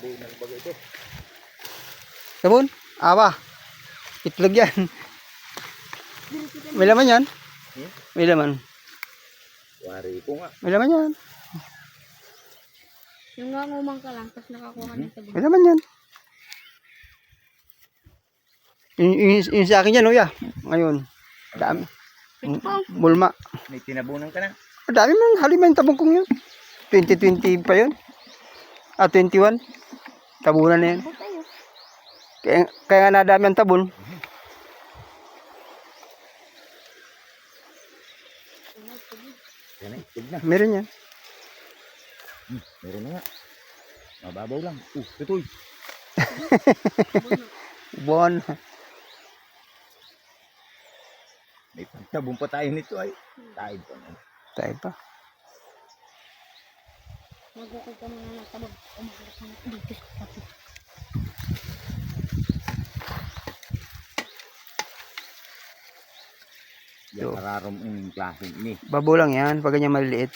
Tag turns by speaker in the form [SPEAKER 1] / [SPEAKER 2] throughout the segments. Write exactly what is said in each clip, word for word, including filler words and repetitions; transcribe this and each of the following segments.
[SPEAKER 1] tinabunan bagay ito.
[SPEAKER 2] Sabon? Awa. Itlog yan. May laman yan?
[SPEAKER 1] Hmm?
[SPEAKER 2] May laman.
[SPEAKER 1] Wari ko nga.
[SPEAKER 2] May laman yan.
[SPEAKER 3] Yung nga ngumang ka lang, tapos nakakuha ng sabon.
[SPEAKER 2] May laman yan. Yung, yung, yung sa akin yan, Uya. Ngayon. Dami.
[SPEAKER 3] Ito po.
[SPEAKER 2] Mulma.
[SPEAKER 1] May tinabunan ka na.
[SPEAKER 2] Ang dami man. Halima yung tabong kong yun. twenty twenty pa yun. Ah, twenty-one. Tabunan na yan.
[SPEAKER 3] Sabon tayo.
[SPEAKER 2] Kaya, kaya nga nadami ang tabon.
[SPEAKER 1] Yan na, itlog na.
[SPEAKER 2] Meron yan.
[SPEAKER 1] Hmm, meron na nga. Mababaw lang. Uh, tutoy.
[SPEAKER 2] Buwan.
[SPEAKER 1] May pagtabong pa tayo nito ay. Tayo pa na.
[SPEAKER 2] Tayo pa.
[SPEAKER 3] Magukod ka muna ng sabon. Umaharap ka na dito sa kapit.
[SPEAKER 1] Yan, nararom yung klaseng ini.
[SPEAKER 2] Babo lang yan. Pag ganyan maliliit.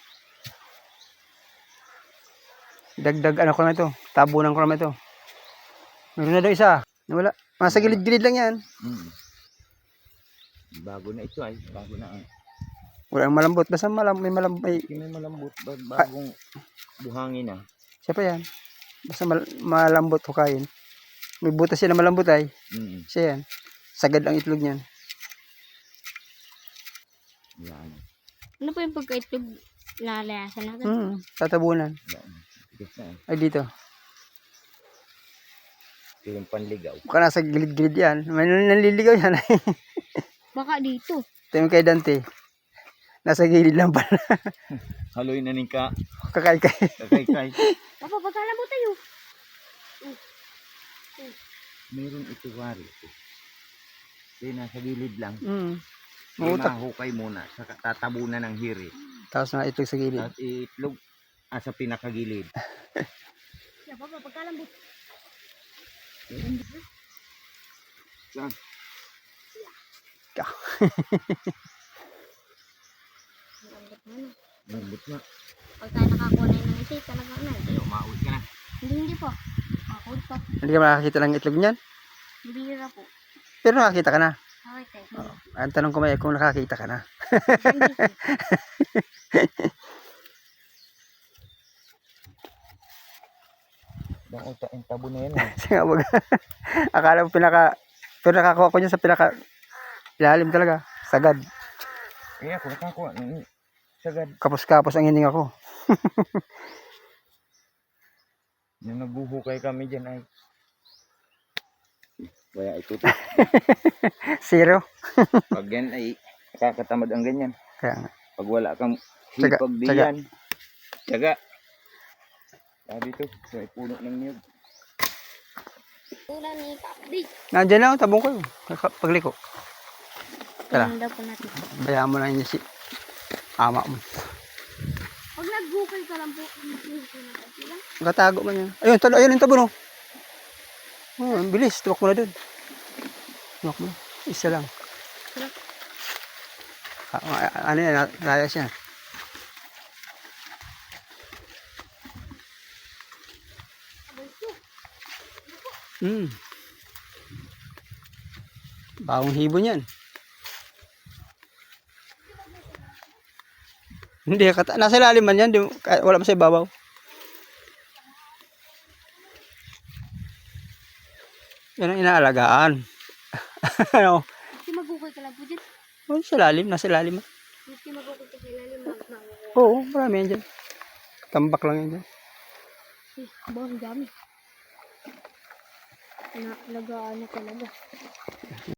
[SPEAKER 2] Dagdag ano ko na ito. Tabunan ko na ito. Meron na daw isa. Wala. Masa gilid-gilid lang yan.
[SPEAKER 1] Hmm. Bago na ito ay. Bago na ang.
[SPEAKER 2] Walang malambot. Basta malam, may malambot. May,
[SPEAKER 1] May malambot. Bagong buhangin na.
[SPEAKER 2] siya pa yan. Basta mal, malambot hukayin. May butas siya na malambot ay.
[SPEAKER 1] Hmm.
[SPEAKER 2] Siya yan. Sagad ang itlog niyan.
[SPEAKER 1] Yan.
[SPEAKER 3] Ano po yung pagka-itlog lalayasan natin?
[SPEAKER 2] Hmm. Tatabunan.
[SPEAKER 1] Yan. Tigas na eh.
[SPEAKER 2] Ay dito.
[SPEAKER 1] Ito yung panligaw.
[SPEAKER 2] Baka nasa gilid-gilid yan. May nanliligaw yan.
[SPEAKER 3] Baka dito.
[SPEAKER 2] Ito yung kay Dante. Nasa gilid lang pala.
[SPEAKER 1] Haloy na ning ka.
[SPEAKER 2] Kakay-kay.
[SPEAKER 1] Kakay-kay.
[SPEAKER 3] Papa, pagkala mo tayo.
[SPEAKER 1] Meron ito wari. Ito nasa gilid lang.
[SPEAKER 2] Hmm. Mautak.
[SPEAKER 1] Mahukay muna. Sa tatabunan ng hiri.
[SPEAKER 2] Tapos na itlog sa gilid.
[SPEAKER 1] At itlog ah, sa pinakagilid.
[SPEAKER 3] Yeah, papa, pagkala mo.
[SPEAKER 1] Yan.
[SPEAKER 2] Ka.
[SPEAKER 1] Lambot na.
[SPEAKER 3] Pag tayo nakakuha na yun ng isa, talaga na.
[SPEAKER 1] Ay, umaut ka na.
[SPEAKER 3] Hindi, hindi po. Ako pa.
[SPEAKER 2] Hindi ka makakita ng itlog niyan.
[SPEAKER 3] Bibira po.
[SPEAKER 2] Pero nakakita ka na.
[SPEAKER 3] Okay, tayo.
[SPEAKER 2] Ang tanong ko may kung nakakita ka na.
[SPEAKER 3] Hindi po.
[SPEAKER 1] Bang uta yung tabo na yan. Eh.
[SPEAKER 2] Sige wag. Akala mo pinaka pero nakakuha ko niya sa pinaka ilalim talaga. Sagad.
[SPEAKER 1] Kaya ako nakakuha. ng Sagad.
[SPEAKER 2] Kapos-kapos ang hininga ko.
[SPEAKER 1] Nung nagbuhukay kami dyan ay. Kaya ito.
[SPEAKER 2] Zero.
[SPEAKER 1] Pag yan ay nakakatamad ang ganyan.
[SPEAKER 2] Kaya nga.
[SPEAKER 1] Pag wala kang
[SPEAKER 2] Tsaga,
[SPEAKER 1] hipag diyan. Tsaga. Sabi ito. May puno ng niyog.
[SPEAKER 3] Una ni Kapdi.
[SPEAKER 2] Nandiyan lang tabong ko yun. Pagliko. Tara.
[SPEAKER 3] Tingnan daw po natin.
[SPEAKER 2] Bayaan mo na yun si ama mo.
[SPEAKER 3] Pag naghukay ka lang po, hindi ko na kasi lang.
[SPEAKER 2] Katago man yan. Ayun, talo, ayun yung tabon oh. Oh, ang bilis. Tuwak mo na dun. Tuwak mo. Isa lang. Ah, ano yan? Layas yan. Hmm. Bawang hibon yan. Hindi, kata nasa ilalim man yan. Di, wala man sa ibabaw. Yan ang inaalagaan. Ano?
[SPEAKER 3] Kasi maghukay ka lang po dyan.
[SPEAKER 2] Oh, sa ilalim. Nasa ilalim.
[SPEAKER 3] Kasi maghukay ka sa ilalim ng mga.
[SPEAKER 2] Oo, marami yan dyan. Tambak lang yan dyan.
[SPEAKER 3] Eh, bawang dami. Na, lagaan na talaga.